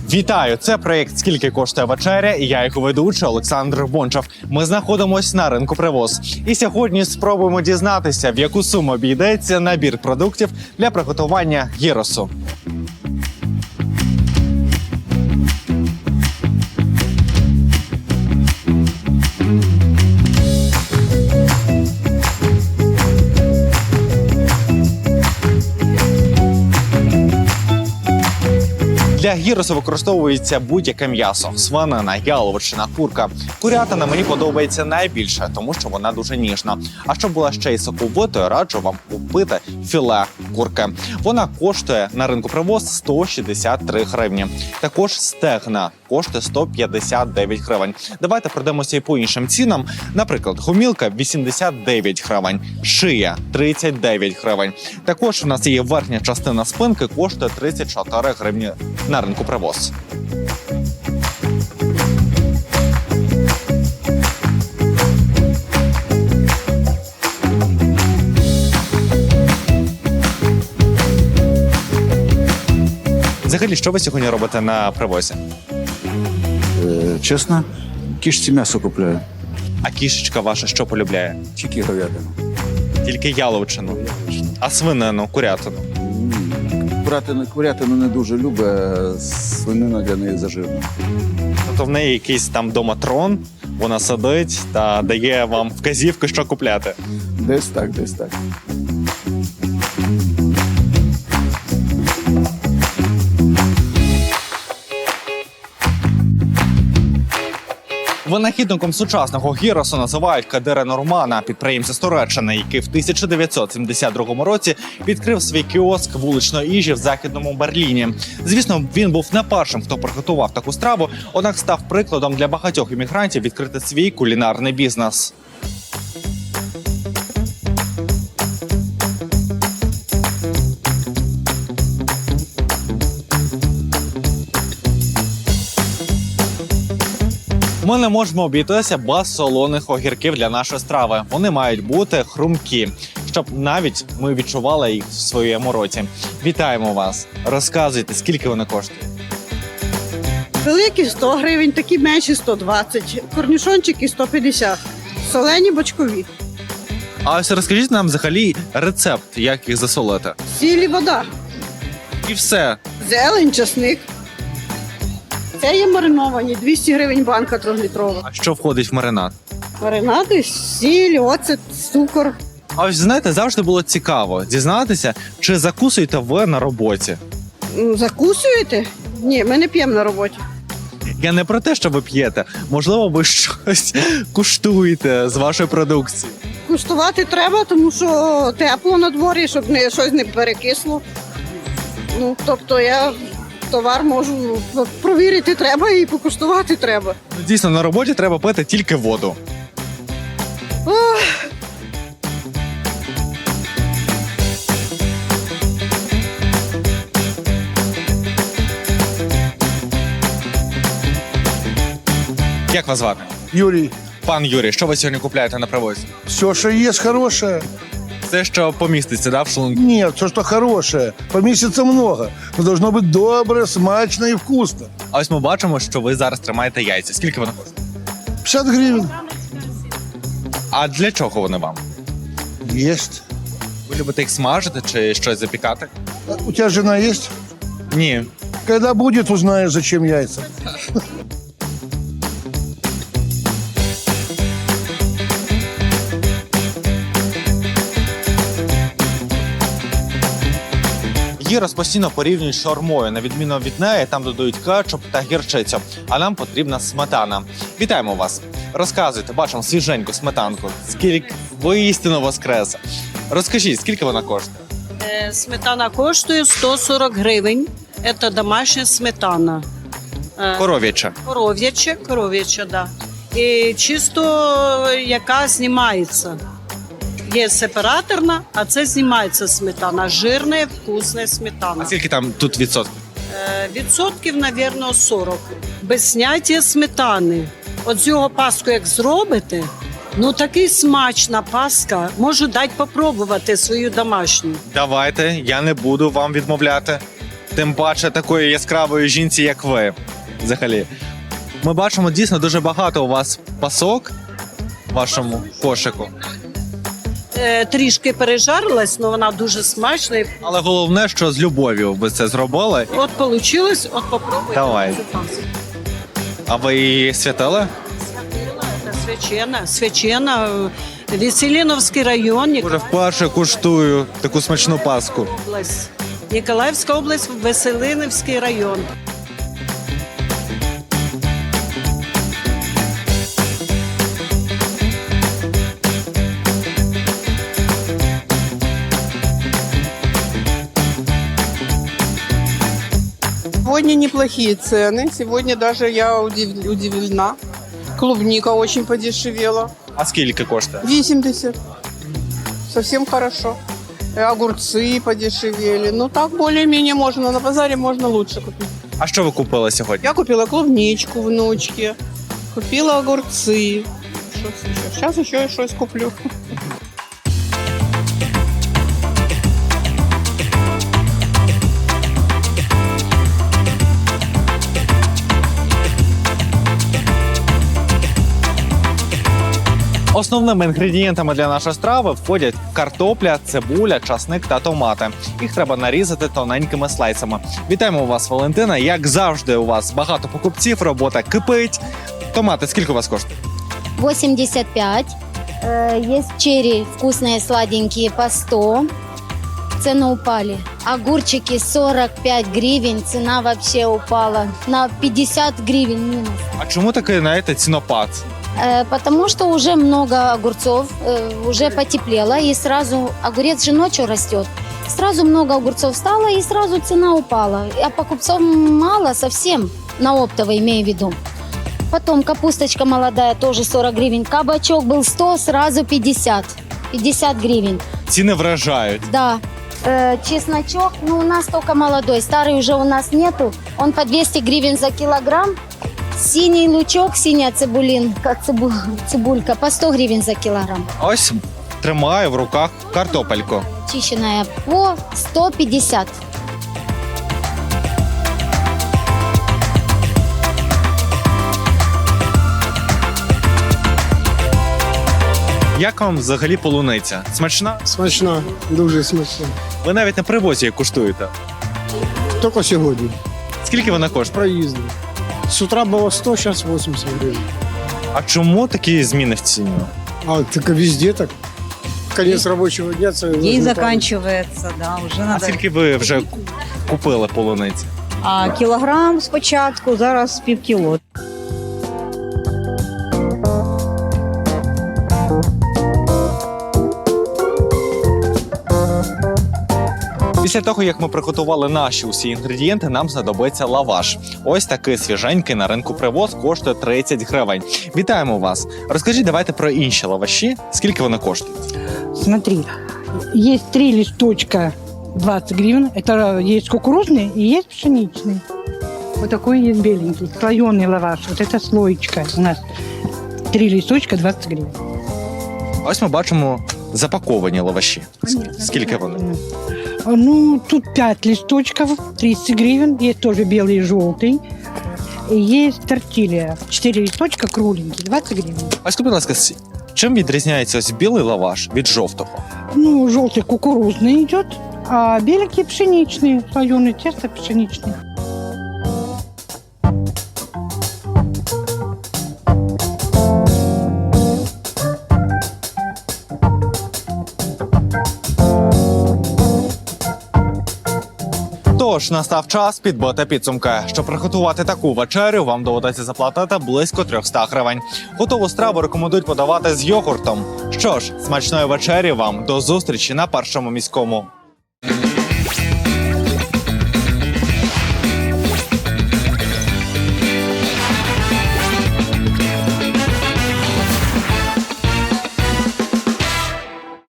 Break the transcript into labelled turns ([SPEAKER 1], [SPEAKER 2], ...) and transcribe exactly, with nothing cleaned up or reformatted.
[SPEAKER 1] Вітаю! Це проєкт «Скільки коштує вечеря» і я його ведучий Олександр Бончав. Ми знаходимося на ринку Привоз. І сьогодні спробуємо дізнатися, в яку суму обійдеться набір продуктів для приготування гіросу. Для гіросу використовується будь-яке м'ясо – свинина, яловичина, курка. Курятина мені подобається найбільше, тому що вона дуже ніжна. А щоб була ще й соковитою, раджу вам купити філе курки. Вона коштує на ринку Привоз сто шістдесят три гривні. Також стегна коштує сто п'ятдесят дев'ять гривень. Давайте пройдемося і по іншим цінам. Наприклад, гомілка – вісімдесят дев'ять гривень, шия – тридцять дев'ять гривень. Також у нас є верхня частина спинки, коштує тридцять чотири гривні на ринку Привоз. Взагалі, що ви сьогодні робите на Привозі?
[SPEAKER 2] Е, чесно, кішці м'ясо купляю.
[SPEAKER 1] А кішечка ваша що полюбляє?
[SPEAKER 2] Тільки говядину.
[SPEAKER 1] Тільки яловичину. А свинину, курятину?
[SPEAKER 2] Курятину, курятину не дуже любить, а свинина для неї зажирна.
[SPEAKER 1] Тобто в неї якийсь там дома трон, вона сидить та дає вам вказівки, що купляти.
[SPEAKER 2] Десь так, десь так.
[SPEAKER 1] Винахідником сучасного гіросу називають Кадира Нурмана, підприємця з Туреччини, який в тисяча дев'ятсот сімдесят другому році відкрив свій кіоск вуличної їжі в Західному Берліні. Звісно, він був не першим, хто приготував таку страву, однак став прикладом для багатьох іммігрантів відкрити свій кулінарний бізнес. Ми не можемо обійтися без солоних огірків для нашої страви. Вони мають бути хрумкі, щоб навіть ми відчували їх в своєму роті. Вітаємо вас! Розказуйте, скільки вони коштують?
[SPEAKER 3] Великі сто гривень, такі менші сто двадцять, корнішончики сто п'ятдесят, солені бочкові.
[SPEAKER 1] А ось розкажіть нам взагалі рецепт, як їх засолити.
[SPEAKER 3] Сіль і вода,
[SPEAKER 1] І все.
[SPEAKER 3] зелень, часник. Це є мариновані, двісті гривень банка трьохлітрова.
[SPEAKER 1] А що входить в маринад?
[SPEAKER 3] Маринади, сіль, оцет, цукор.
[SPEAKER 1] А ось знаєте, завжди було цікаво дізнатися, чи закусуєте ви на роботі.
[SPEAKER 3] М, Закусуєте? Ні, ми не п'ємо на роботі.
[SPEAKER 1] Я не про те, що ви п'єте. Можливо, ви щось куштуєте з вашої продукції.
[SPEAKER 3] Куштувати треба, тому що тепло на дворі, щоб не, щось не перекисло. Ну, тобто я товар можу провірити треба і покуштувати треба.
[SPEAKER 1] Ну, дійсно, на роботі треба пити тільки воду.
[SPEAKER 3] Ох.
[SPEAKER 1] Як вас звати?
[SPEAKER 4] Юрий,
[SPEAKER 1] Пан Юрій, що ви сьогодні купляєте на Привозі?
[SPEAKER 4] все, что есть хорошее.
[SPEAKER 1] Все, що поміститься, да, в шлунку?
[SPEAKER 4] Нет, все, что хорошее. Поместится много. Но должно быть доброе, смачно и вкусно.
[SPEAKER 1] А ось ми бачимо, що ви зараз тримаєте яйця. Скільки вони коштують?
[SPEAKER 4] пятьдесят гривен.
[SPEAKER 1] А для чого вони вам?
[SPEAKER 4] Есть.
[SPEAKER 1] Ви любите їх смажити чи щось запікати?
[SPEAKER 4] А у тебя жена есть?
[SPEAKER 1] Ні.
[SPEAKER 4] Когда будет, узнаешь, зачем яйца.
[SPEAKER 1] Гірос постійно порівнюють з шаурмою. На відміну від неї, там додають кетчуп та гірчицю. А нам потрібна сметана. Вітаємо вас! Розказуйте, бачимо свіженьку сметанку. Скільки воістину воскрес. Розкажіть, скільки вона коштує?
[SPEAKER 5] Е, Сметана коштує сто сорок гривень. Це домашня сметана. Е,
[SPEAKER 1] Коров'яча.
[SPEAKER 5] Коров'яча, коров'яча, да. І чисто яка знімається. Є сепараторна, а це знімається сметана. Жирна, вкусна
[SPEAKER 1] А
[SPEAKER 5] сметана.
[SPEAKER 1] скільки там тут відсотків?
[SPEAKER 5] Е, Відсотків, мабуть, сорок. Без зняття сметани. От з його паску як зробите, ну такий смачна паска. Можу дати попробувати свою домашню.
[SPEAKER 1] Давайте, я не буду вам відмовляти. Тим паче такої яскравої жінці, як ви. Взагалі. Ми бачимо дійсно дуже багато у вас пасок в вашому кошику.
[SPEAKER 5] Е, трішки пережарилась, але вона дуже смачна. І
[SPEAKER 1] Але головне, що з любов'ю ви це зробили.
[SPEAKER 5] От вийшло, от попробуйте.
[SPEAKER 1] Давай. А ви її святили?
[SPEAKER 5] Це свячена, свячена. Веселіновський район,
[SPEAKER 1] Уже вперше куштую таку смачну паску.
[SPEAKER 5] область. Ніколаївська область, Веселинівський район.
[SPEAKER 6] Сегодня неплохие цены. Сегодня даже я удив- удивлена. Клубника очень подешевела.
[SPEAKER 1] А скільки коштує?
[SPEAKER 6] восемьдесят. Совсем хорошо. И огурцы подешевели. Ну так более-менее можно. На базаре можно лучше купить.
[SPEAKER 1] А що ви купили сьогодні?
[SPEAKER 6] Я купила клубничку внучке. Купила огурцы. Что еще? Сейчас еще и что-то куплю.
[SPEAKER 1] Основними інгредієнтами для нашої страви входять картопля, цибуля, часник та томати. Їх треба нарізати тоненькими слайсами. Вітаємо вас, Валентина. Як завжди, у вас багато покупців, робота кипить. Томати скільки у вас коштує?
[SPEAKER 7] восемьдесят пять. Э, Есть черри вкусные, сладенькие по сто. Цены упали. Огурчики сорок пять гривен. Цена вообще упала на пятьдесят гривен минус.
[SPEAKER 1] А чому такий, знаєте, цінопад?
[SPEAKER 7] Э, Потому что уже много огурцов, э, уже потеплело. И сразу огурец же ночью растет. Сразу много огурцов стало и сразу цена упала. А покупцов мало совсем, на оптовой имею в виду. Потом капусточка молодая, тоже сорок гривен. Кабачок был сто, сразу пятьдесят. пятьдесят гривен.
[SPEAKER 1] Ціни вражають.
[SPEAKER 7] Да. Э, чесночок, ну у нас только молодой, старый уже у нас нету. Он по двести гривен за килограмм. Синий лучок, синяя цибулинка, цибу, цибулька по сто гривен за килограмм.
[SPEAKER 1] Ось тримаю в руках картопельку.
[SPEAKER 7] Чищенная по сто пятьдесят.
[SPEAKER 1] Як вам взагалі полуниця? Смачна?
[SPEAKER 8] Смачна, дуже смачна.
[SPEAKER 1] Ви навіть на привозі її куштуєте.
[SPEAKER 8] Тільки сьогодні.
[SPEAKER 1] Скільки вона коштує?
[SPEAKER 8] Проїздив. З утра було сто, зараз вісімдесят гривень.
[SPEAKER 1] А чому такі зміни в ціні?
[SPEAKER 8] А, так везде так. Конець робочого дня це...
[SPEAKER 9] День
[SPEAKER 8] возможно,
[SPEAKER 9] заканчивается, да, уже
[SPEAKER 1] А
[SPEAKER 9] надо.
[SPEAKER 1] скільки ви вже купили полуниці?
[SPEAKER 9] А кілограм спочатку, зараз пів кіло.
[SPEAKER 1] Після того, як ми приготували наші усі інгредієнти, нам знадобиться лаваш. Ось такий свіженький на ринку привоз коштує тридцять гривень. Вітаємо вас! Розкажіть, давайте про інші лаваші. Скільки вони коштують?
[SPEAKER 10] Смотри, есть три листочка двадцать гривен. Это есть кукурузный и есть пшеничный. Вот такой есть беленький, слоеный лаваш. Вот это слоечка у нас. Три листочка двадцать гривен.
[SPEAKER 1] Ось ми бачимо запаковані лаваші. Скільки вони?
[SPEAKER 10] Ну, тут пять листочков, тридцать гривен. Есть тоже белый и желтый. И есть тортилья. Четыре листочка кругленькие, двадцать гривен.
[SPEAKER 1] А скажіть, будь ласка, с- чим відрізняється ось білий лаваш від жовтого?
[SPEAKER 10] Ну, желтый кукурузный идет, а беленький пшеничный. Слоеное тесто пшеничный.
[SPEAKER 1] Тож настав час підбити підсумки. Щоб приготувати таку вечерю, вам доведеться заплатити близько триста гривень. Готову страву рекомендують подавати з йогуртом. Що ж, смачної вечері вам, до зустрічі на першому міському.